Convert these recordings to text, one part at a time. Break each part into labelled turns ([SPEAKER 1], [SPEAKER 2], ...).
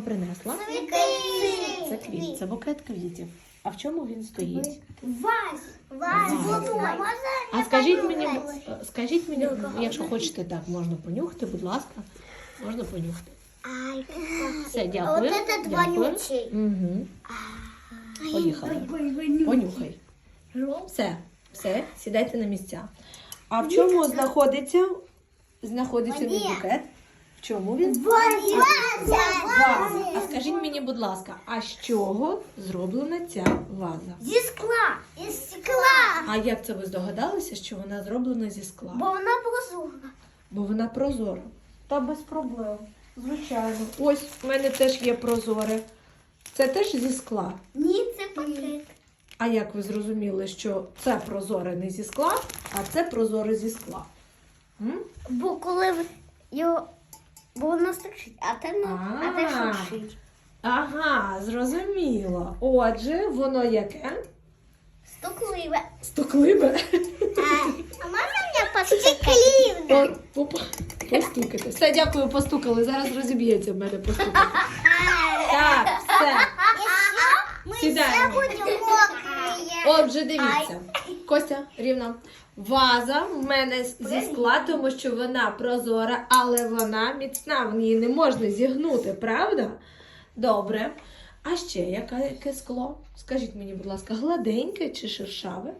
[SPEAKER 1] принесла? Це квіт, це букет квітів. А в чому він стоїть? А скажіть мені, якщо хочете, так, можна понюхати, будь ласка. Можна понюхати. Все, дякую. Дякую. Угу. Поїхали. Понюхай. Все, сідайте на місця. А в чому знаходиться мій букет? В чому він? Ваза. А скажіть мені, будь ласка, а з чого зроблена ця ваза?
[SPEAKER 2] Зі скла. Із скла.
[SPEAKER 1] А як це ви здогадалися, що вона зроблена зі скла?
[SPEAKER 2] Бо вона прозора.
[SPEAKER 1] Бо вона прозора. Та без проблем. Звичайно. Ось в мене теж є прозоре. Це теж зі скла.
[SPEAKER 2] Ні, це пакет.
[SPEAKER 1] А як ви зрозуміли, що це прозоре не зі скла, а це прозоре зі скла?
[SPEAKER 2] Бо коли його... Бо воно стучить, а те шуршить.
[SPEAKER 1] Ага, зрозуміло. Отже, воно яке?
[SPEAKER 2] Стукливе.
[SPEAKER 1] Стукливе?
[SPEAKER 2] А можна мені постукати?
[SPEAKER 1] Постукати. Все, дякую, постукали. Зараз розіб'ється в мене постукати. Так, все. Сідаємо. Отже, дивіться. Костя, рівно. Ваза в мене зі скла, тому що вона прозора, але вона міцна, в ній не можна зігнути, правда? Добре. А ще яке скло? Скажіть мені, будь ласка, гладеньке чи шершаве?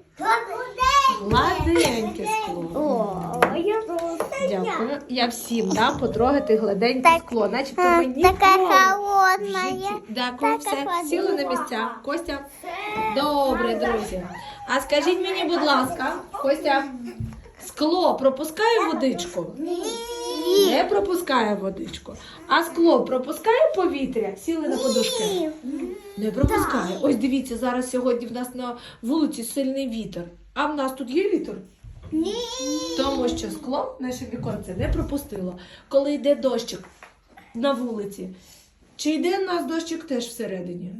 [SPEAKER 1] Гладеньке скло. Дякую. Я всім дам потрогати гладеньке скло, начебто мені
[SPEAKER 2] холодне.
[SPEAKER 1] Дякую, все, сіли на місця. Костя? Добре, друзі. А скажіть мені, будь ласка, Костя, скло пропускає водичку?
[SPEAKER 2] Ні.
[SPEAKER 1] Не пропускає водичку. А скло пропускає повітря? Сіли на подушки? Не пропускає. Ось дивіться, зараз сьогодні в нас на вулиці сильний вітер. А в нас тут є вітер?
[SPEAKER 2] Ні.
[SPEAKER 1] Тому що скло, наше віконце, не пропустило. Коли йде дощик на вулиці, чи йде в нас дощик теж всередині?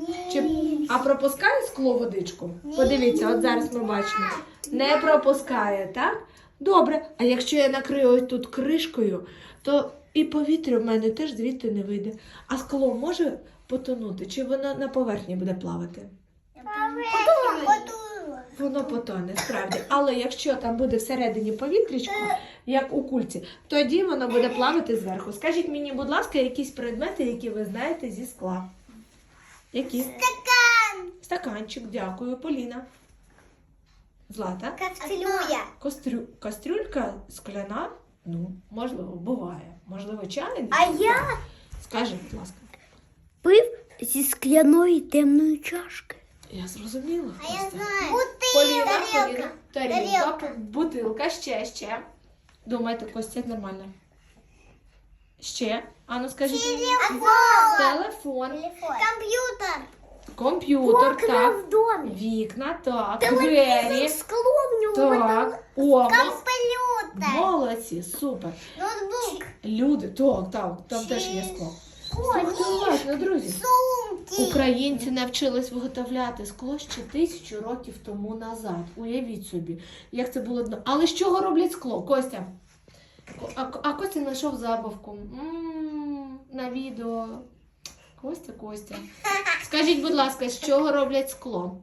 [SPEAKER 1] А пропускає скло водичку? Подивіться, от зараз ми бачимо. Не пропускає, так? Добре. А якщо я накрию ось тут кришкою, то і повітря в мене теж звідти не вийде. А скло може потонути? Чи воно на поверхні буде плавати? Воно потоне, справді. Але якщо там буде всередині повітрячко, як у кульці, тоді воно буде плавати зверху. Скажіть мені, будь ласка, якісь предмети, які ви знаєте зі скла. Які?
[SPEAKER 2] Стакан.
[SPEAKER 1] Стаканчик, дякую. Поліна. Злата.
[SPEAKER 2] Кастрюля.
[SPEAKER 1] Кастрюлька скляна? Ну, можливо, буває. Можливо, чайник?
[SPEAKER 2] А я
[SPEAKER 1] Скажи, будь ласка.
[SPEAKER 2] пив зі скляної темної чашки.
[SPEAKER 1] Я зрозуміла.
[SPEAKER 2] А я
[SPEAKER 1] Костя.
[SPEAKER 2] знаю.
[SPEAKER 1] Поліна. Тарілка, бутилка, ще. Думайте, Костя, нормально. Ще? Ану, скажіть. Телефон. Комп'ютер,
[SPEAKER 2] Окна
[SPEAKER 1] так.
[SPEAKER 2] в домі.
[SPEAKER 1] Вікна, так.
[SPEAKER 2] Телевізор,
[SPEAKER 1] Двері.
[SPEAKER 2] скло в нього.
[SPEAKER 1] Так. Омо.
[SPEAKER 2] Комп'ютер.
[SPEAKER 1] Молодці, супер.
[SPEAKER 2] Ноутбук.
[SPEAKER 1] Люди, так, там теж є скло. Слухайте уважно, друзі.
[SPEAKER 2] Сумки.
[SPEAKER 1] Українці навчились виготовляти скло ще 1000 років тому назад. Уявіть собі, як це було дно. Але з чого роблять скло? Костя? А Костя знайшов забавку. На відео. Костя. Скажіть, будь ласка, з чого роблять скло?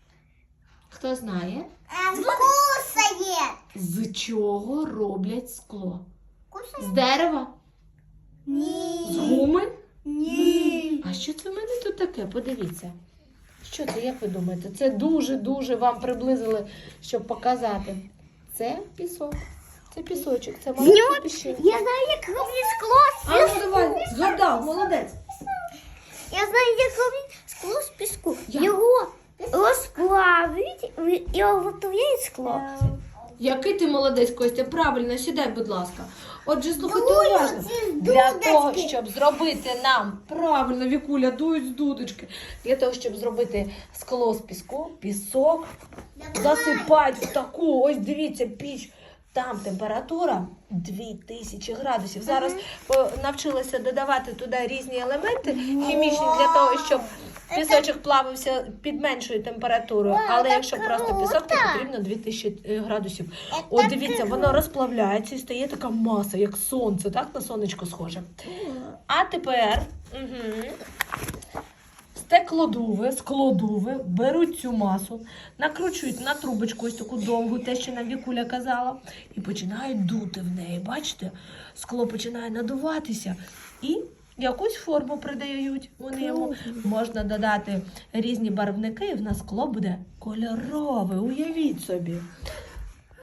[SPEAKER 1] Хто знає?
[SPEAKER 2] Кусає.
[SPEAKER 1] З чого роблять скло?
[SPEAKER 2] Кусає?
[SPEAKER 1] З дерева? З
[SPEAKER 2] Ні.
[SPEAKER 1] гуми?
[SPEAKER 2] Ні.
[SPEAKER 1] А що це в мене тут таке? Подивіться. Що це, як ви думаєте? Це дуже-дуже вам приблизили, щоб показати. Це пісок. Це пісочок. Це маленька піщинка.
[SPEAKER 2] Я знаю, як роблять скло.
[SPEAKER 1] А ну давай, згадав, молодець.
[SPEAKER 2] Я знаю, як роблять скло з піску.
[SPEAKER 1] Як?
[SPEAKER 2] Його розплавлюють і готують скло.
[SPEAKER 1] Який ти молодець, Костя. Правильно, сідай, будь ласка. Отже, слухайте уважно. Для того, щоб зробити нам, правильно, Вікуля, дують з дудочки. Для того, щоб зробити скло з піску, пісок засипають в таку, ось дивіться, піч. Там температура 2000 градусів. Зараз навчилися додавати туди різні елементи хімічні для того, щоб Пісочок плавився під меншою температурою, але якщо просто пісок, то потрібно 2000 градусів. От дивіться, воно розплавляється і стає така маса, як сонце, так? На сонечко схоже. А тепер складови беруть цю масу, накручують на трубочку ось таку довгу, те, що нам Вікуля казала, і починають дути в неї. Бачите? Скло починає надуватися і якусь форму придають вони йому. Можна додати різні барвники, і в нас скло буде кольорове, уявіть собі.